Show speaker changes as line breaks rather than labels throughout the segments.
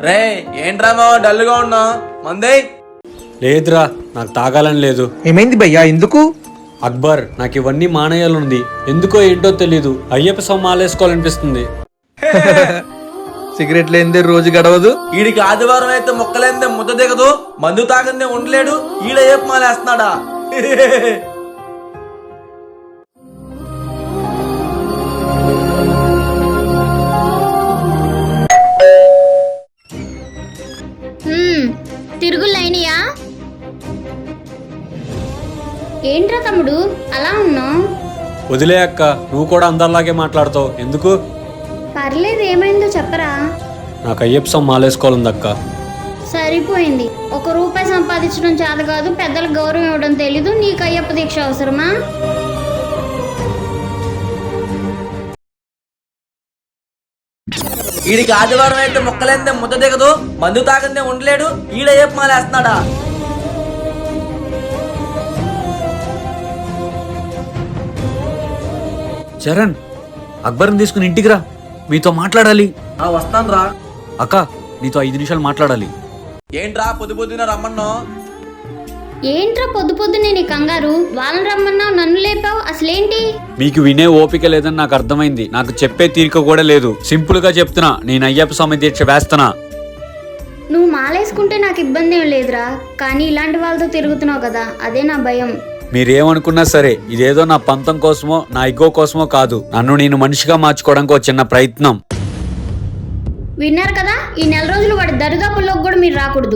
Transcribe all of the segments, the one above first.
రే ఏంట్రామో డల్గా ఉన్నా మందే
లేదురా, నాకు తాగాలని లేదు.
ఏమైంది భయ్యా, ఎందుకు?
అక్బర్, నాకు ఇవన్నీ మానేయాలంది. ఎందుకో ఏంటో తెలీదు. అయ్యప్ప స్వామి మాలేసుకోవాలనిపిస్తుంది.
సిగరెట్ లేనిదే రోజు గడవదు.
వీడికి ఆదివారం అయితే మొక్కలేందే ముద్ద దిగదు, మందు తాగందే ఉండలేడు, ఈడ ఏపు మాలేస్తున్నాడా?
తిరుగులైనయా? ఏంట్రా తమ్ముడు అలా ఉన్నావు?
వదిలే అక్క, నువ్వు కూడా అందరిలాగే మాట్లాడతావు ఎందుకు?
పర్లేదు, ఏమైందో చెప్పరా.
నాకు అయ్యప్ప స్వామి మాలేసుకోవాలంది అక్క.
సరిపోయింది. ₹1 సంపాదించడం చేత కాదు, పెద్దలకు గౌరవం ఇవ్వడం తెలీదు, నీకు అయ్యప్ప దీక్ష అవసరమా?
వీడికి ఆదివారం అయితే మొక్కలేందే ముద్ద దిగదు, మందు తాగందే ఉండలేడు, ఈడ ఏపు మాలేస్తున్నాడా?
చరణ్, అక్బర్ని తీసుకుని ఇంటికి రా, మీతో మాట్లాడాలి.
వస్తాను రా.
అక్క, నీతో 5 నిమిషాలు మాట్లాడాలి.
ఏంట్రా పొద్దు పొద్దున రమ్మన్నా?
ఏంట్రా పొద్దు పొద్దునే నీ కంగారు? వాళ్ళని రమ్మన్నావు, నన్ను లేపావు, అసలేంటి?
మీకు వినే ఓపిక లేదని నాకు అర్థమైంది. నాకు చెప్పే తీరిక కూడా లేదు. సింపుల్ గా చెప్తున్నా, నేను అయ్యప్ప స్వామి దీక్ష వేస్తున్నా.
నువ్వు మాలేసుకుంటే నాకు ఇబ్బంది ఏం లేదురా, కానీ ఇలాంటి వాళ్ళతో తిరుగుతున్నావు కదా, అదే నా భయం.
మీరేమనుకున్నా సరే, ఇదేదో నా పంతం కోసమో నా ఇగో కోసమో కాదు. నన్ను నేను మనిషిగా మార్చుకోవడానికి ఒక చిన్న ప్రయత్నం.
విన్నారు కదా, ఈ నెల రోజులు వాడి దరిదాపుల్లోకి కూడా మీరు రాకూడదు.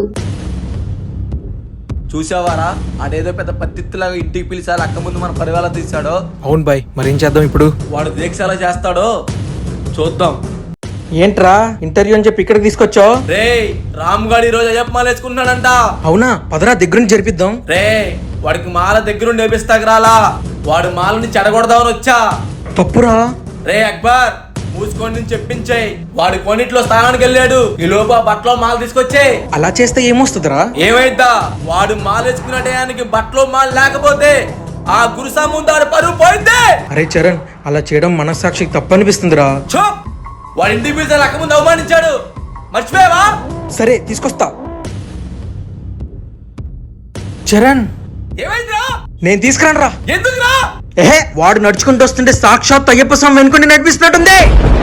చూసావారా, అదేదో పెద్ద పత్తిలాగా ఇంటికి పిలిచారు, అక్క ముందు మన పరివాళ్ళ తీసాడో.
అవును బాయ్, మరేం చేద్దాం ఇప్పుడు?
వాడు దీక్ష ఎలా చేస్తాడో చూద్దాం.
ఏంట్రా ఇంటర్వ్యూ అని చెప్పి ఇక్కడికి తీసుకొచ్చావు?
రే రామ్ గారు ఈ రోజు అయ్యప్ప మాల వేసుకున్నాడంట.
అవునా, పదరా దగ్గరుండి జరిపిద్దాం.
రే వాడికి మాల దగ్గరుండి నేర్పిస్తాకు రాలా, వాడు మాలని చెడగొడదామని వచ్చా.
తప్పురా.
రే అక్బర్, మూసుకొని చెప్పించేయి. వాడి కొన్నిట్లో స్థానానికి వెళ్ళాడు, ఈ లోపు ఆ బట్టలో మాల తీసుకొచ్చే.
అలా చేస్తే ఏమొస్తుందిరా?
ఏమైద్దా, వాడు మాల వేసుకునే టయానికి బట్టలో మాల లేకపోతే ఆ గురుసా ముందు ఆడు పరువు పోయిందే.
అరే చరణ్, అలా చేయడం మనస్సాక్షికి తప్పనిపిస్తుందిరా.
చూప్, వాడి ఇంటికి పిలిచి అక్క ముందు అవమానించాడు, మర్చిపోయావా?
సరే తీసుకొస్తా. చరణ్,
ఏమైందిరా?
నేను తీసుకురాను రా.
ఎందుకురా?
ఏహే, వాడు నడుచుకుంటూ వస్తుంటే సాక్షాత్ అయ్యప్ప స్వామి వెనుకొని నడిపిస్తున్నట్టుంది.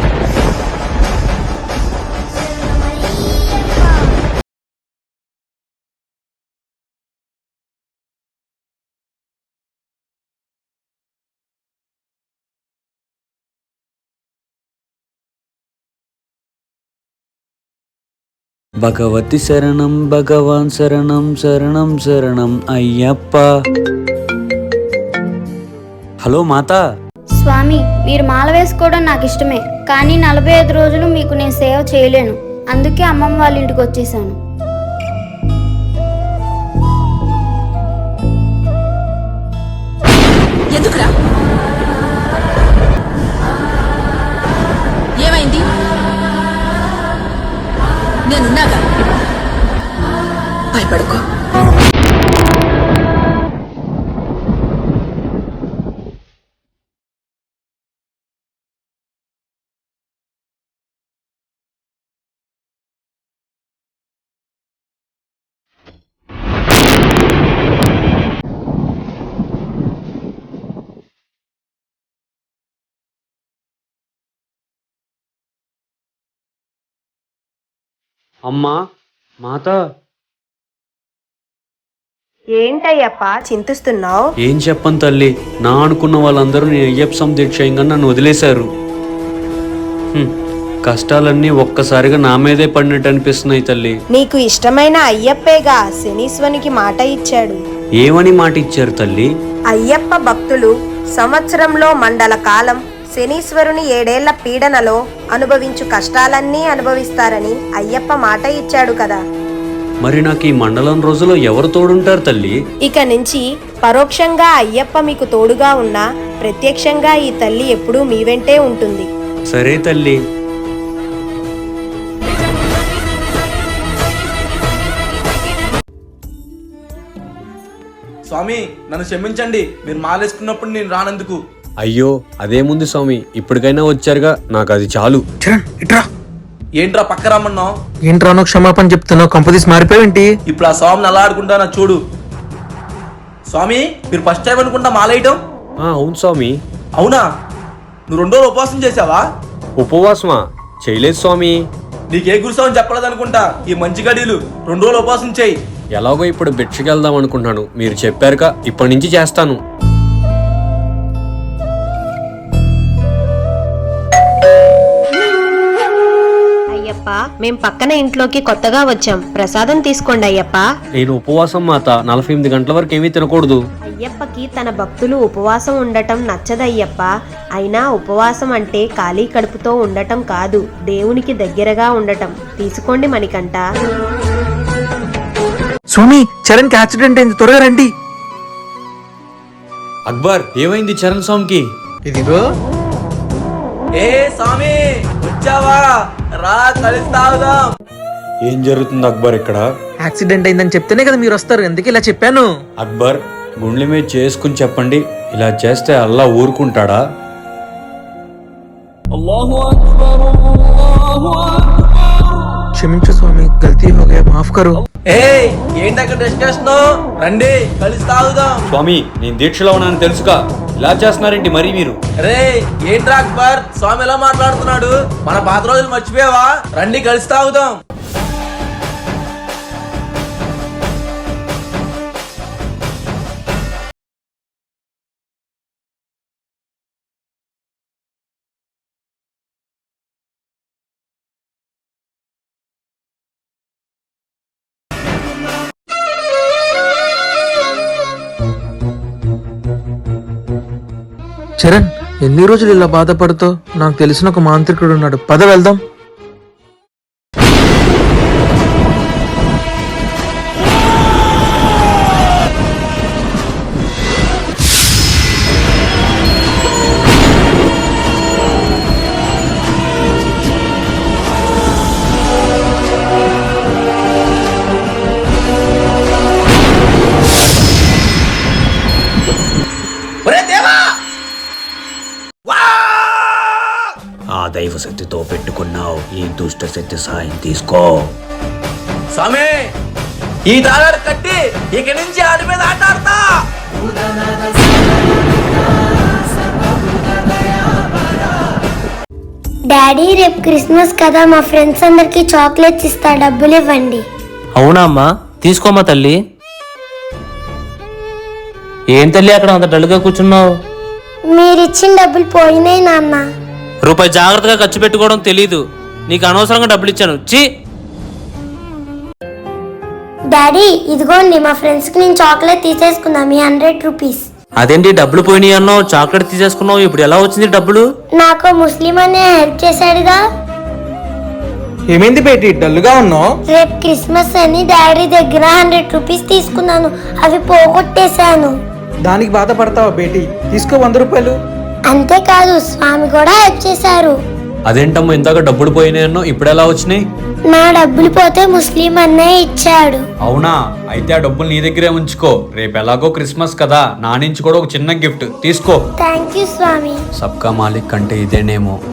భగవతి శరణం, భగవాన్ శరణం, శరణం శరణం అయ్యప్ప. హలో మాతా.
స్వామి, మీరు మాల వేసుకోవడం నాకు ఇష్టమే, కానీ 45 రోజులు మీకు నేను సేవ చేయలేను, అందుకే అమ్మమ్మ వాళ్ళ ఇంటికి వచ్చేసాను.
ఎందుకురా? ఏమైంది? నేనున్నాగా, భయపడుకో.
అమ్మా, మాతా.
ఏంటయ్యప్ప చింతిస్తున్నావు?
ఏం చెప్పను తల్లి, నా అనుకున్న వాళ్ళందరూ నేను అయ్యప్ప స్వామి దీక్ష చేయగా నన్ను వదిలేశారు. కష్టాలన్నీ ఒక్కసారిగా నా మీదే పడినట్టు అనిపిస్తున్నాయి తల్లి.
నీకు ఇష్టమైన అయ్యప్పేగా శనీశ్వరునికి మాట ఇచ్చాడు.
ఏమని మాట ఇచ్చారు తల్లి?
అయ్యప్ప భక్తులు సంవత్సరంలో మండల కాలం శనీశ్వరుని 7 ఏళ్ల పీడనలో అనుభవించు కష్టాలన్నీ అనుభవిస్తారని అయ్యప్ప మాట ఇచ్చాడు కదా.
మరి నాకు ఈ మండలం రోజులో ఎవరు తోడుంటారు తల్లి?
ఇక నుంచి పరోక్షంగా అయ్యప్ప మీకు తోడుగా ఉన్నా ప్రత్యక్షంగా ఈ తల్లి ఎప్పుడూ మీ వెంటే ఉంటుంది.
సరే తల్లి.
స్వామి నన్ను క్షమించండి, మీరు మాలేసుకున్నప్పుడు నేను రానందుకు.
అయ్యో, అదేముంది స్వామి, ఇప్పటికైనా వచ్చారుగా, నాకు అది చాలు.
చరణ్ ఇట్రా.
ఏంట్రా పక్క రమ్మన్నావు?
ఏంట్రానో క్షమాపణ చెప్తున్నావు, కంపదీసి మారిపోయావేంటి?
ఇప్పుడు ఆ స్వామిని అలా ఆడుకుంటానా చూడు. స్వామి, మీరు ఫస్ట్ టైం అనుకుంటా మాలేయటం?
అవును స్వామి.
అవునా? నువ్వు 2 రోజులు ఉపవాసం చేసావా?
ఉపవాసమా? చేయలేదు స్వామి.
నీకే గురుసావని చెప్పలేదు అనుకుంటా. ఈ మంచి గడియలు 2 రోజులు ఉపవాసం చేయి.
ఎలాగో ఇప్పుడు భిక్షకి వెళ్దాం అనుకుంటున్నాను, మీరు చెప్పారుగా, ఇప్పటి నుంచి చేస్తాను.
అయ్యప్ప, మేం పక్కన ఇంట్లోకి కొత్తగా వచ్చాం, ప్రసాదం తీసుకోండి అయ్యప్ప.
నేను ఉపవాసం మాత, 48 గంటల వరకు ఏమీ తినకూడదు.
అయ్యప్పకి తన భక్తులు ఉపవాసం ఉండటం నచ్చదయ్యప్ప. అయినా ఉపవాసం అంటే ఖాళీ కడుపుతో ఉండటం కాదు, దేవునికి దగ్గరగా ఉండటం. తీసుకోండి మణికంఠ.
స్వామి, చరణ్ కి యాక్సిడెంట్ అయింది, త్వరగా రండి.
అక్బర్, ఏమైంది చరణ్ స్వామికి?
ఇదిగో.
ఏ స్వామి, వచ్చావా? రా, కలిసి తాగుదాం.
ఏం జరుగుతుంది అక్బర్ ఇక్కడ?
యాక్సిడెంట్ అయిందని చెప్తేనే కదా మీరు వస్తారు, ఎందుకు ఇలా చెప్పాను.
అక్బర్, గుండెల మీద చేసుకుని చెప్పండి, ఇలా చేస్తే అల్లా ఊరుకుంటాడా?
క్షమించు స్వామి, గల్తీ హో గయా, మాఫ్ కరో.
ఏ ఏంటి అక్కడ డిస్కషన్? రండి, కలిసి తాగుదాం.
స్వామి, నేను దీక్షలో ఉన్నాను తెలుసుగా, ఇలా చేస్తున్నారేంటి మరి మీరు?
రే ఏంట్రా అక్బర్, స్వామి ఎలా మాట్లాడుతున్నాడు? మన పాత రోజులు మర్చిపోయావా? రండి, కలిసి తాగుదాం.
చరణ్, ఎన్ని రోజులు ఇలా బాధపడుతావు? నాకు తెలిసిన ఒక మాంత్రికుడు ఉన్నాడు, పద వెళ్దాం.
ఒరే దేవా!
ఆ దైవ శక్తితో పెట్టుకున్నావు, ఈ దుష్ట శక్తి సాయం తీసుకో.
స్వామి, ఈ తాళాలు కట్టి ఇక నుంచి ఆడి మీద ఆట ఆడతా.
డాడీ, రేపు క్రిస్మస్ కదా, మా ఫ్రెండ్స్ అందరికి చాక్లెట్స్ ఇస్తా, డబ్బులు ఇవ్వండి.
అవునా అమ్మా, తీసుకోమ్మా తల్లి. ఏం తల్లి అక్కడ అంత డల్గా కూర్చున్నావు?
మీరిచ్చిన డబ్బులు పోయినాయి నాన్న.
రూపాయి జాగ్రత్తగా ఖర్చు పెట్టుకోవడం తెలీదు, నీకు అనవసరంగా డబ్బులు ఇచ్చాను.
డాడీ, ఇదిగోండి, మా ఫ్రెండ్స్ కి నేను చాక్లెట్ తీసేసుకున్నా, మీ 100 రూపీస్.
అదేంటి డబ్బులు పోయినాయి అన్నావు, చాక్లెట్ తీసేసుకున్నావు, ఇప్పుడు ఎలా వచ్చింది డబ్బులు?
నాకు ముస్లిం అనే హెల్ప్ చేశాడుగా.
ఏమైంది బేటి, డల్గా ఉన్నావు?
రేపు క్రిస్మస్ అని డాడీ దగ్గర 100 రూపీస్ తీసుకున్నాను, అవి పోగొట్టేశాను.
దానికి బాధపడతావా బేటి? తీసుకో 100 రూపాయలు.
అంతేకాదు, స్వామి కూడా హెల్ప్ చేశారు.
అదేంటమ్మా, ఇందాక డబ్బులు పోయినాయన్నో, ఇప్పుడు ఎలా వచ్చినాయి?
నా డబ్బులు పోతే ముస్లిం అన్నయ్య ఇచ్చాడు.
అవునా? అయితే ఆ డబ్బులు నీ దగ్గరే ఉంచుకో, రేపు ఎలాగో క్రిస్మస్ కదా, నా నుంచి కూడా ఒక చిన్న గిఫ్ట్ తీసుకో.
థ్యాంక్ యూ స్వామి.
సబ్కా మాలిక్ అంటే ఇదేనేమో.